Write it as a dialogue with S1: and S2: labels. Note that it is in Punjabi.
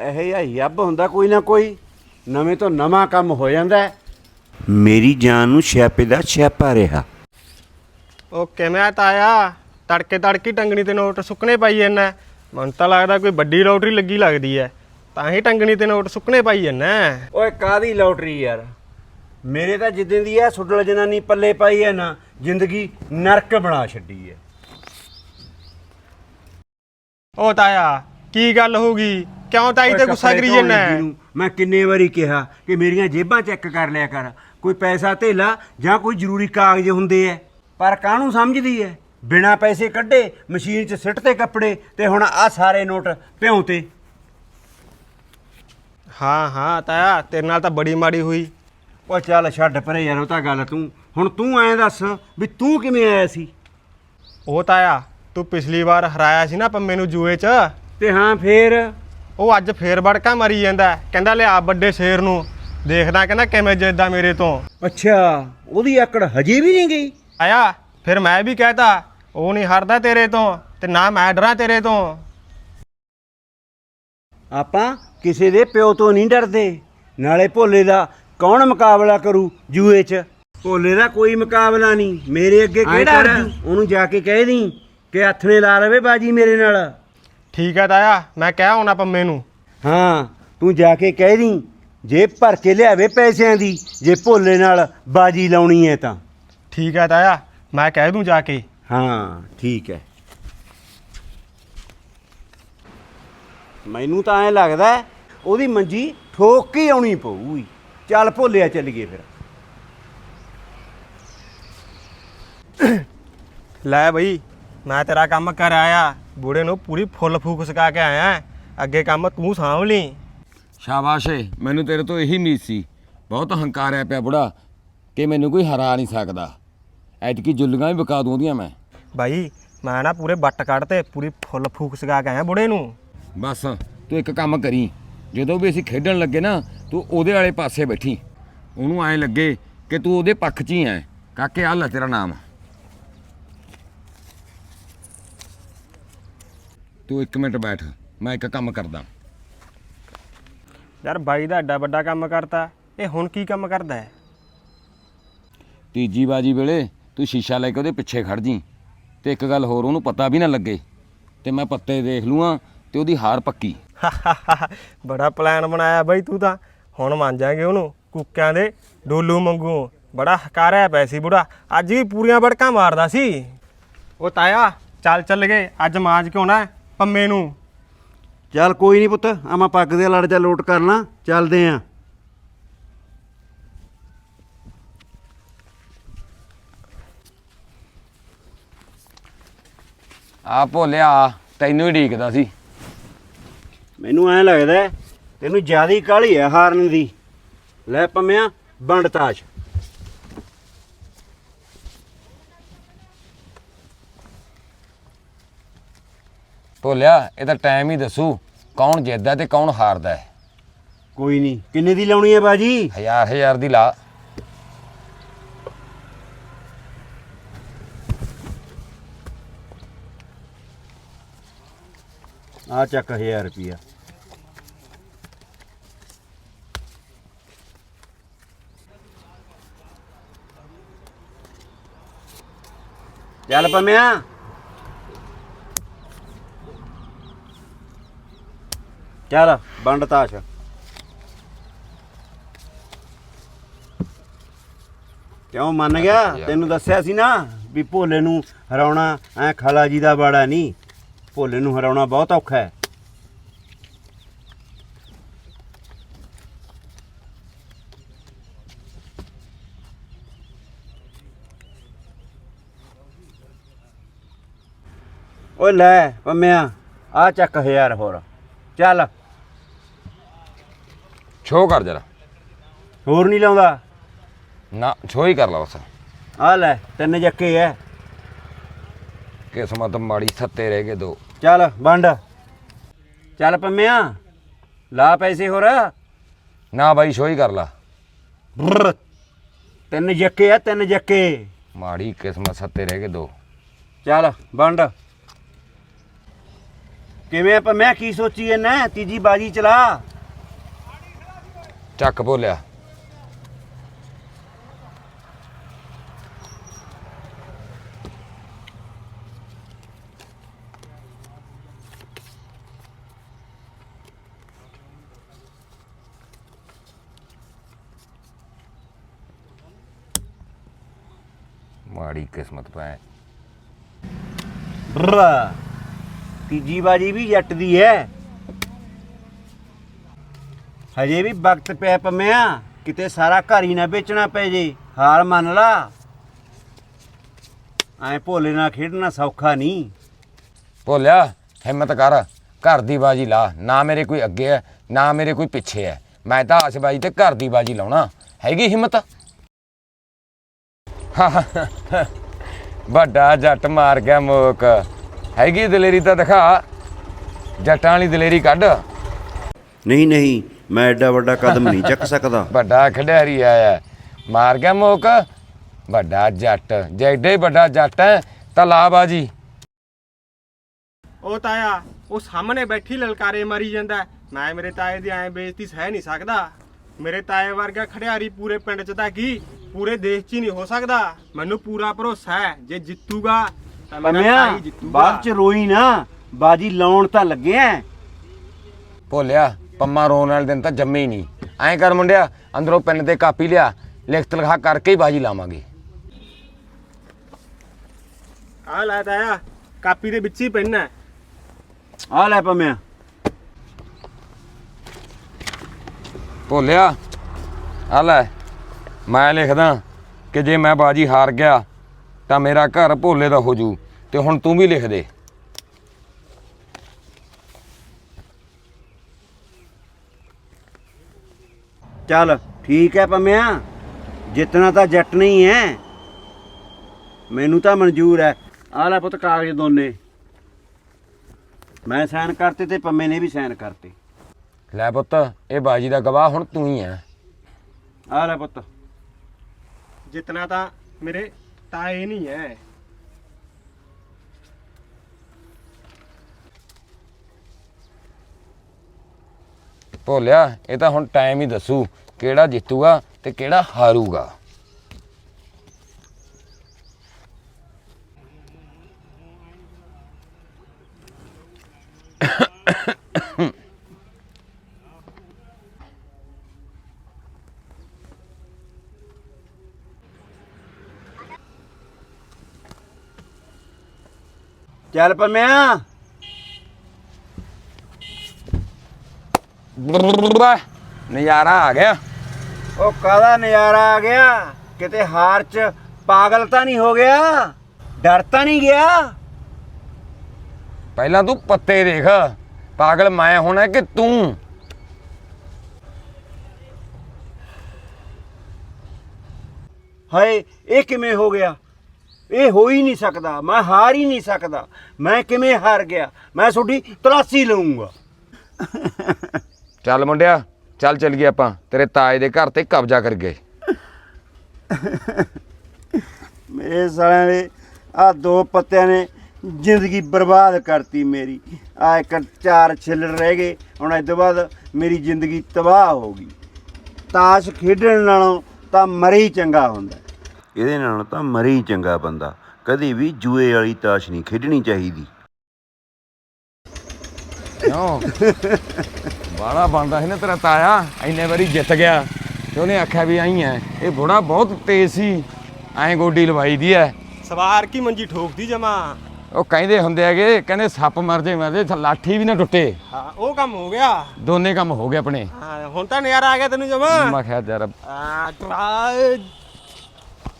S1: ਇਹੋ ਜਿਹਾ ਯੱਬ ਹੁੰਦਾ ਕੋਈ ਨਾ ਕੋਈ, ਨਵੇਂ ਤੋਂ ਨਵਾਂ ਕੰਮ ਹੋ ਜਾਂਦਾ। ਮੇਰੀ ਜਾਨ ਨੂੰ ਛਿਆਪੇ ਦਾ ਛਿਆਪਾ ਰਿਹਾ।
S2: ਉਹ ਕਿਵੇਂ ਤਾਇਆ ਤੜਕੇ ਤੜਕੀ ਟੰਗਣੀ ਤੇ ਨੋਟ ਸੁੱਕਣੇ ਪਾਈ ਜਾਂਦਾ? ਮੈਨੂੰ ਤਾਂ ਲੱਗਦਾ ਕੋਈ ਵੱਡੀ ਲੋਟਰੀ ਲੱਗੀ ਲੱਗਦੀ ਐ, ਤਾਂ ਹੀ ਟੰਗਣੀ ਤੇ ਨੋਟ ਸੁੱਕਣੇ ਪਾਈ ਜਾਂਦਾ।
S1: ਓਏ ਕਾਹਦੀ ਲੋਟਰੀ ਯਾਰ, ਮੇਰੇ ਤਾਂ ਜਿੱਦਾਂ ਦੀ ਐ ਸੁੱਡਲ ਜਨਾਨੀ ਪੱਲੇ ਪਾਈ ਐ ਨਾ, ਜ਼ਿੰਦਗੀ ਨਰਕ ਬਣਾ ਛੱਡੀ ਐ।
S2: ਉਹ ਤਾਇਆ ਕੀ ਗੱਲ ਹੋ ਗਈ? ਕਿਉਂ ਤਾਈ ਤੇ ਗੁੱਸਾ ਕਰੀ ਜਾਂਦਾ?
S1: ਮੈਂ ਕਿੰਨੇ ਵਾਰੀ ਕਿਹਾ ਕਿ ਮੇਰੀਆਂ ਜੇਬਾਂ ਚੈੱਕ ਕਰ ਲਿਆ ਕਰ, ਕੋਈ ਪੈਸਾ ਧੇਲਾ ਜਾਂ ਕੋਈ ਜ਼ਰੂਰੀ ਕਾਗਜ਼ ਹੁੰਦੇ ਐ, ਪਰ ਕਾਹਨੂੰ ਸਮਝਦੀ ਐ? ਬਿਨਾਂ ਪੈਸੇ ਕੱਢੇ ਮਸ਼ੀਨ 'ਚ ਸਿੱਟ ਤੇ ਕੱਪੜੇ, ਤੇ ਹੁਣ ਆਹ ਸਾਰੇ ਨੋਟ ਭਿਉਂ ਤੇ।
S2: ਹਾਂ ਤਾਇਆ ਤੇਰੇ ਨਾਲ ਤਾਂ ਬੜੀ ਮਾੜੀ ਹੋਈ।
S1: ਉਹ ਚੱਲ ਛੱਡ ਪਰੇ ਯਾਰ, ਉਹ ਤਾਂ ਗੱਲ ਤੂੰ ਐਂ ਦੱਸ ਵੀ ਤੂੰ ਕਿਵੇਂ ਆਇਆ ਸੀ?
S2: ਉਹ ਤਾਇਆ ਤੂੰ ਪਿਛਲੀ ਵਾਰ ਹਰਾਇਆ ਸੀ ਨਾ ਪੰਮੇ ਨੂੰ ਜੂਏ 'ਚ,
S1: ਤੇ ਹਾਂ ਫੇਰ
S2: ਉਹ ਅੱਜ ਫੇਰ ਵੜਕਾ ਮਰੀ ਜਾਂਦਾ, ਕਹਿੰਦਾ ਲਿਆ ਵੱਡੇ ਸ਼ੇਰ ਨੂੰ ਦੇਖਦਾ, ਕਹਿੰਦਾ ਕਿਵੇਂ ਜਿੱਦਾਂ ਮੇਰੇ ਤੋਂ।
S1: ਅੱਛਾ, ਉਹਦੀ ਆਕੜ ਹਜੇ ਵੀ ਨਹੀਂ ਗਈ?
S2: ਆਇਆ ਫਿਰ ਮੈਂ ਵੀ ਕਹਿਤਾ ਉਹ ਨਹੀਂ ਹਰਦਾ ਤੇਰੇ ਤੋਂ, ਤੇ ਨਾ ਮੈਂ ਡਰਾਂ ਤੇਰੇ ਤੋਂ।
S1: ਆਪਾਂ ਕਿਸੇ ਦੇ ਪਿਓ ਤੋਂ ਨਹੀਂ ਡਰਦੇ। ਨਾਲੇ ਭੋਲੇ ਦਾ ਕੌਣ ਮੁਕਾਬਲਾ ਕਰੂ ਜੂਏ 'ਚ? ਭੋਲੇ ਦਾ ਕੋਈ ਮੁਕਾਬਲਾ ਨਹੀਂ, ਮੇਰੇ ਅੱਗੇ ਕਿਹੜਾ ਅਰਜੂ? ਉਹਨੂੰ ਜਾ ਕੇ ਕਹਿ ਦੀ ਕਿ ਹੱਥ ਨੇ ਲਾ ਲਵੇ ਬਾਜੀ ਮੇਰੇ ਨਾਲ।
S2: ਠੀਕ ਹੈ ਤਾਇਆ, ਮੈਂ ਕਹਿ ਆਉਣਾ ਪੰਮੇ ਨੂੰ।
S1: ਹਾਂ ਤੂੰ ਜਾ ਕੇ ਕਹਿ ਦੀ, ਜੇਬ ਭਰ ਕੇ ਲਿਆਵੇ ਪੈਸਿਆਂ ਦੀ, ਜੇ ਭੋਲੇ ਨਾਲ ਬਾਜੀ ਲਾਉਣੀ ਹੈ ਤਾਂ।
S2: ਠੀਕ ਹੈ ਤਾਇਆ, ਮੈਂ ਕਹਿ ਦੂੰ ਜਾ ਕੇ।
S1: ਹਾਂ ਠੀਕ ਹੈ। ਮੈਨੂੰ ਤਾਂ ਐਂ ਲੱਗਦਾ ਉਹਦੀ ਮੰਜੀ ਠੋਕ ਕੇ ਆਉਣੀ ਪਊਗੀ। ਚੱਲ ਭੋਲਿਆ ਚੱਲੀਏ ਫਿਰ।
S2: ਲੈ ਬਈ ਮੈਂ ਤੇਰਾ ਕੰਮ ਕਰ ਆਇਆ, ਬੂੜੇ ਨੂੰ ਪੂਰੀ ਫੁੱਲ ਫੂਕ ਸਕਾ ਕੇ ਆਇਆ, ਅੱਗੇ ਕੰਮ ਤੂੰ ਸਾਂਭ ਲਈ।
S3: ਸ਼ਾਬਾਸ਼ ਏ, ਮੈਨੂੰ ਤੇਰੇ ਤੋਂ ਇਹੀ ਉਮੀਦ ਸੀ। ਬਹੁਤ ਹੰਕਾਰਿਆ ਪਿਆ ਬੁੜਾ ਕਿ ਮੈਨੂੰ ਕੋਈ ਹਰਾ ਨਹੀਂ ਸਕਦਾ। ਐਤਕੀ ਜੁੱਲੀਆਂ ਵੀ ਵਿਕਾ ਦੂੰ ਉਹਦੀਆਂ ਮੈਂ।
S2: ਬਾਈ ਮੈਂ ਨਾ ਪੂਰੇ ਬੱਟ ਕੱਢ ਤੇ ਪੂਰੀ ਫੁੱਲ ਫੂਕ ਸਕਾ ਕੇ ਆਇਆ ਬੁੜੇ ਨੂੰ।
S3: ਬਸ ਤੂੰ ਇੱਕ ਕੰਮ ਕਰੀ, ਜਦੋਂ ਵੀ ਅਸੀਂ ਖੇਡਣ ਲੱਗੇ ਨਾ ਤੂੰ ਉਹਦੇ ਵਾਲੇ ਪਾਸੇ ਬੈਠੀ, ਉਹਨੂੰ ਐਂ ਲੱਗੇ ਕਿ ਤੂੰ ਉਹਦੇ ਪੱਖ 'ਚ ਹੀ ਐ। ਕਾਕੇ ਆਹ ਲੈ ਤੇਰਾ ਨਾਮ, ਤੂੰ 1 ਮਿੰਟ ਬੈਠ, ਮੈਂ ਇੱਕ ਕੰਮ ਕਰਦਾ।
S2: ਯਾਰ ਬਾਈ ਦਾ ਐਡਾ ਵੱਡਾ ਕੰਮ ਕਰਤਾ, ਇਹ ਹੁਣ ਕੀ ਕੰਮ ਕਰਦਾ ਹੈ?
S3: ਤੀਜੀ ਬਾਜੀ ਵੇਲੇ ਤੂੰ ਸ਼ੀਸ਼ਾ ਲੈ ਕੇ ਉਹਦੇ ਪਿੱਛੇ ਖੜ ਜੀ, ਤੇ ਇੱਕ ਗੱਲ ਹੋਰ, ਉਹਨੂੰ ਪਤਾ ਵੀ ਨਾ ਲੱਗੇ, ਤੇ ਮੈਂ ਪੱਤੇ ਦੇਖ ਲੂਆਂ ਤੇ ਉਹਦੀ ਹਾਰ ਪੱਕੀ।
S2: ਬੜਾ ਪਲਾਨ ਬਣਾਇਆ ਬਾਈ ਤੂੰ ਤਾਂ। ਹੁਣ ਮੰਨ ਜਾਗੇ ਉਹਨੂੰ ਕੁੱਕਿਆਂ ਦੇ ਡੋਲੂ ਮੰਗੂ। ਬੜਾ ਹਕਾਰਿਆ ਪਿਆ ਸੀ ਬੁੜਾ, ਅੱਜ ਵੀ ਪੂਰੀਆਂ ਵੜਕਾਂ ਮਾਰਦਾ ਸੀ। ਉਹ ਤਾਇਆ ਚੱਲ ਗਏ, ਅੱਜ ਮਾਂਜ ਕੇ ਆਉਣਾ ਪੰਮੇ ਨੂੰ।
S1: ਚੱਲ ਕੋਈ ਨਹੀਂ ਪੁੱਤ, ਆਵਾਂ ਪੱਗ ਦੇ ਲੜ ਜਾ ਲੋਟ ਕਰ ਲਾਂ, ਚੱਲਦੇ ਆਂ।
S3: ਆ ਭੋਲਿਆ ਤੈਨੂੰ ਹੀ ਢੀਕਦਾ ਸੀ।
S1: ਮੈਨੂੰ ਐਂ ਲੱਗਦਾ ਤੈਨੂੰ ਜ਼ਿਆਦਾ ਹੀ ਕਾਹਲੀ ਹੈ ਹਾਰਨ ਦੀ। ਲੈ ਪੰਮਿਆ ਵੰਡ ਤਾਸ਼।
S3: ਭੋਲਿਆ ਇਹ ਤਾਂ ਟਾਈਮ ਹੀ ਦੱਸੂ ਕੌਣ ਜਿੱਤਦਾ ਤੇ ਕੌਣ ਹਾਰਦਾ ਹੈ।
S1: ਕੋਈ ਨਹੀਂ, ਕਿੰਨੇ ਦੀ ਲਾਉਣੀ ਹੈ ਬਾਜੀ?
S3: 1000 ਦੀ ਲਾ।
S1: ਆ ਚੱਕ 1000 ਰੁਪਿਆ। ਚੱਲ ਪੰਮਿਆ। ਚੱਲ ਵੰਡ ਤਾਸ਼। ਕਿਉਂ ਮੰਨ ਗਿਆ? ਤੈਨੂੰ ਦੱਸਿਆ ਸੀ ਨਾ ਵੀ ਭੋਲੇ ਨੂੰ ਹਰਾਉਣਾ ਐ ਖਾਲਾ ਜੀ ਦਾ ਬਾੜਾ ਨਹੀਂ, ਭੋਲੇ ਨੂੰ ਹਰਾਉਣਾ ਬਹੁਤ ਔਖਾ ਹੈ। ਓਏ ਲੈ ਪੰਮਿਆ ਆ ਚੱਕ 1000 ਹੋਰ। ਚੱਲ
S3: ਛੋ ਕਰ ਜਰਾ।
S1: ਹੋਰ ਨਹੀਂ ਲਾਉਂਦਾ?
S3: ਨਾ ਛੋ ਹੀ ਕਰ ਲਾ ਬਸ।
S1: ਆ ਲੈ 3 ਜੱਕੇ ਐ।
S3: ਕਿਸਮਤ ਮਾੜੀ, ਸੱਤੇ ਰਹਿ ਗਏ 2।
S1: ਚੱਲ ਵੰਡ। ਚੱਲ ਪੰਮਿਆ ਲਾ ਪੈਸੇ ਹੋਰ।
S3: ਨਾ ਬਾਈ ਛੋ ਹੀ ਕਰ ਲਾ।
S1: 3 ਜੱਕੇ ਐ, 3 ਜੱਕੇ।
S3: ਮਾੜੀ ਕਿਸਮਤ, ਸੱਤੇ ਰਹਿ ਗਏ 2।
S1: ਚੱਲ ਵੰਡ। ਕਿਵੇਂ ਆਪਾਂ ਮੈਂ ਕੀ ਸੋਚੀ ਇਹਨਾਂ ਤੀਜੀ ਬਾਜੀ ਚਲਾ।
S3: ਚੱਕ ਭੋਲਿਆ। ਮਾੜੀ ਕਿਸਮਤ ਪੈ।
S1: ਬਰਾ ਤੀਜੀ ਬਾਜੀ ਵੀ ਜੱਟ ਦੀ ਐ। ਹਜੇ ਵੀ ਵਕਤ ਪਿਆ ਪੰਮਿਆ, ਕਿਤੇ ਸਾਰਾ ਘਰ ਹੀ ਨਾ ਵੇਚਣਾ ਪੈ ਜੇ। ਹਾਲ ਮੰਨ ਲਾ, ਐ ਭੋਲੇ ਨਾਲ ਖੇਡਣਾ ਸੌਖਾ ਨਹੀਂ।
S3: ਭੋਲਿਆ ਹਿੰਮਤ ਕਰ, ਘਰ ਦੀ ਬਾਜੀ ਲਾ। ਨਾ ਮੇਰੇ ਕੋਈ ਅੱਗੇ ਹੈ ਨਾ ਮੇਰੇ ਕੋਈ ਪਿੱਛੇ ਹੈ। ਮੈਂ ਤਾਂ ਆਸਬਾਜੀ ਤੇ ਘਰ ਦੀ ਬਾਜੀ ਲਾਉਣਾ। ਹੈਗੀ ਹਿੰਮਤ? ਵੱਡਾ ਜੱਟ ਮਾਰ ਗਿਆ ਮੋਕ। ਹੈਗੀ ਦਲੇਰੀ ਤਾਂ ਦਿਖਾ, ਜੱਟਾਂ ਵਾਲੀ ਦਲੇਰੀ ਕੱਢ।
S1: ਨਹੀਂ ਨਹੀਂ, ਮੈਂ ਐਡਾ ਵੱਡਾ ਕਦਮ ਨਹੀਂ ਚੱਕ ਸਕਦਾ।
S3: ਵੱਡਾ ਖਿਡਾਰੀ ਆਇਆ, ਮਾਰ ਗਿਆ ਮੋਕ। ਵੱਡਾ ਜੱਟ, ਜੇ ਐਡਾ ਹੀ ਵੱਡਾ ਜੱਟ ਹੈ ਤਾਂ ਲਾ ਬਾਜੀ।
S2: ਉਹ ਤਾਇਆ ਉਹ ਸਾਹਮਣੇ ਬੈਠੀ ਲਲਕਾਰੇ ਮਾਰੀ ਜਾਂਦਾ। ਮੈਂ ਮੇਰੇ ਤਾਏ ਦੀ ਐਂ ਬੇਇੱਜ਼ਤੀ ਸਹਿ ਨਹੀਂ ਸਕਦਾ। ਮੇਰੇ ਤਾਏ ਵਰਗਾ ਖਿਡਾਰੀ ਪੂਰੇ ਪਿੰਡ 'ਚ ਤਾਂ ਕੀ ਪੂਰੇ ਦੇਸ਼ 'ਚ ਹੀ ਨਹੀਂ ਹੋ ਸਕਦਾ। ਮੈਨੂੰ ਪੂਰਾ ਭਰੋਸਾ ਹੈ ਜੇ ਜਿੱਤੂਗਾ ਤਾਂ ਮੇਰਾ
S1: ਪੰਮਿਆ
S2: ਤਾਈ ਜਿੱਤੂਗਾ।
S1: ਬਾਅਦ ਚ ਰੋਈ ਨਾ, ਬਾਜੀ ਲਾਉਣ ਤਾਂ ਲੱਗਿਆ।
S3: ਭੋਲਿਆ ਪੰਮਾ ਰੋਣ ਵਾਲੇ ਦਿਨ ਤਾਂ ਜੰਮੇ ਹੀ ਨਹੀਂ। ਐਂ ਕਰ ਮੁੰਡਿਆ, ਅੰਦਰੋਂ ਪੈਨ ਤੇ ਕਾਪੀ ਲਿਆ, ਲਿਖਤ ਲਿਖਾ ਕਰਕੇ ਹੀ ਬਾਜੀ ਲਾਵਾਂਗੇ।
S2: ਆਹ ਲੈ ਤਾਇਆ, ਕਾਪੀ ਦੇ ਵਿੱਚ ਹੀ ਪੈਨ ਹੈ।
S1: ਆ ਲੈ ਪੰਮਿਆ।
S3: ਭੋਲਿਆ ਆ ਲੈ, ਮੈਂ ਲਿਖਦਾ ਕਿ ਜੇ ਮੈਂ ਬਾਜੀ ਹਾਰ ਗਿਆ ਤਾਂ ਮੇਰਾ ਘਰ ਭੋਲੇ ਦਾ ਹੋ ਜੂ। ਤੇ ਹੁਣ ਤੂੰ ਵੀ ਲਿਖ ਦੇ।
S1: ਚੱਲ ਠੀਕ ਹੈ ਪੰਮਿਆ, ਜਿੱਤਣਾ ਤਾਂ ਜੱਟ ਨਹੀਂ ਹੈ। ਮੈਨੂੰ ਤਾਂ ਮਨਜ਼ੂਰ ਹੈ। ਆ ਲੈ ਪੁੱਤ ਕਾਗਜ਼ ਦੋਨੇ, ਮੈਂ ਸਾਈਨ ਕਰਤੇ ਤੇ ਪੰਮੇ ਨੇ ਵੀ ਸਾਈਨ ਕਰਤੇ।
S3: ਲੈ ਪੁੱਤ, ਇਹ ਬਾਜੀ ਦਾ ਗਵਾਹ ਹੁਣ ਤੂੰ ਹੀ ਹੈ।
S1: ਆ ਲੈ ਪੁੱਤ।
S2: ਜਿੱਤਣਾ ਤਾਂ ਮੇਰੇ ਤਾਏ ਨਹੀਂ ਹੈ।
S3: ਭੋਲਿਆ ਇਹ ਤਾਂ ਹੁਣ ਟਾਈਮ ਹੀ ਦੱਸੂ ਕਿਹੜਾ ਜਿੱਤੂਗਾ ਤੇ ਕਿਹੜਾ ਹਾਰੂਗਾ।
S1: ਚੱਲ ਪੰਮਿਆ।
S3: ਨਜ਼ਾਰਾ ਆ ਗਿਆ।
S1: ਉਹ ਕਾਹਦਾ ਨਜ਼ਾਰਾ ਆ ਗਿਆ? ਕਿਤੇ ਹਾਰ ਚ ਪਾਗਲ ਤਾਂ ਨਹੀਂ ਹੋ ਗਿਆ? ਡਰ ਤਾਂ ਨਹੀਂ ਗਿਆ?
S3: ਪਹਿਲਾਂ ਤੂੰ ਪੱਤੇ ਦੇਖ, ਪਾਗਲ ਮੈਂ ਹੋਣਾ ਕਿ ਤੂੰ?
S1: ਹਾਏ ਇਹ ਕਿਵੇਂ ਹੋ ਗਿਆ? ਇਹ ਹੋ ਹੀ ਨਹੀਂ ਸਕਦਾ। ਮੈਂ ਹਾਰ ਹੀ ਨਹੀਂ ਸਕਦਾ। ਮੈਂ ਕਿਵੇਂ ਹਾਰ ਗਿਆ? ਮੈਂ ਤੁਹਾਡੀ ਤਲਾਸ਼ੀ ਲਊਂਗਾ।
S3: ਚੱਲ ਮੁੰਡਿਆ, ਚੱਲ ਗਏ ਆਪਾਂ ਤੇਰੇ ਤਾਏ ਦੇ ਘਰ ਤੇ ਕਬਜ਼ਾ ਕਰ ਗਏ।
S1: ਮੇਰੇ ਸਾਲਿਆਂ ਦੇ ਆ ਦੋ ਪੱਤਿਆਂ ਨੇ ਜ਼ਿੰਦਗੀ ਬਰਬਾਦ ਕਰਤੀ ਮੇਰੀ। ਆ ਇੱਕ ਚਾਰ ਛਿੱਲੜ ਰਹਿ ਗਏ, ਹੁਣ ਇਸ ਤੋਂ ਬਾਅਦ ਮੇਰੀ ਜ਼ਿੰਦਗੀ ਤਬਾਹ ਹੋ ਗਈ। ਤਾਸ਼ ਖੇਡਣ ਨਾਲੋਂ ਤਾਂ ਮਰੀ ਚੰਗਾ ਹੁੰਦਾ। ਇਹਦੇ ਨਾਲ ਤਾਂ ਮਰੀ ਚੰਗਾ ਬੰਦਾ। ਕਦੇ ਵੀ ਜੂਏ ਵਾਲੀ ਤਾਸ਼ ਨਹੀਂ ਖੇਡਣੀ ਚਾਹੀਦੀ।
S3: ਕਿਉਂ ਬਾਲਾ ਬਣਦਾ ਸੀ ਨਾ ਤੇਰਾ ਤਾਇਆ, ਇੰਨੇ ਵਾਰੀ ਜਿੱਤ ਗਿਆ ਤੇ ਉਹਨੇ ਆਖਿਆ ਵੀ ਆਈ ਐ। ਇਹ ਬੁੜਾ ਬਹੁਤ ਤੇਜ਼ ਸੀ, ਐਂ ਗੋਡੀ ਲਵਾਈ ਦੀ ਐ।
S2: ਸਵਾਰ ਕੀ ਮੰਜੀ ਠੋਕਦੀ ਜਮਾ।
S3: ਉਹ ਕਹਿੰਦੇ ਹੁੰਦੇ ਹੈਗੇ, ਕਹਿੰਦੇ ਸੱਪ ਮਰ ਜੇ ਲਾਠੀ ਵੀ ਨਾ ਟੁੱਟੇ।
S2: ਹਾਂ ਉਹ ਕੰਮ ਹੋ ਗਿਆ।
S3: ਦੋਨੇ ਕੰਮ ਹੋ ਗਏ ਆਪਣੇ।
S2: ਹਾਂ ਹੁਣ ਤਾਂ ਨਜ਼ਾਰਾ ਆ ਗਿਆ ਤੈਨੂੰ ਜਮਾ।
S3: ਮੈਂ ਕਿਹਾ ਯਾਰ
S2: ਆ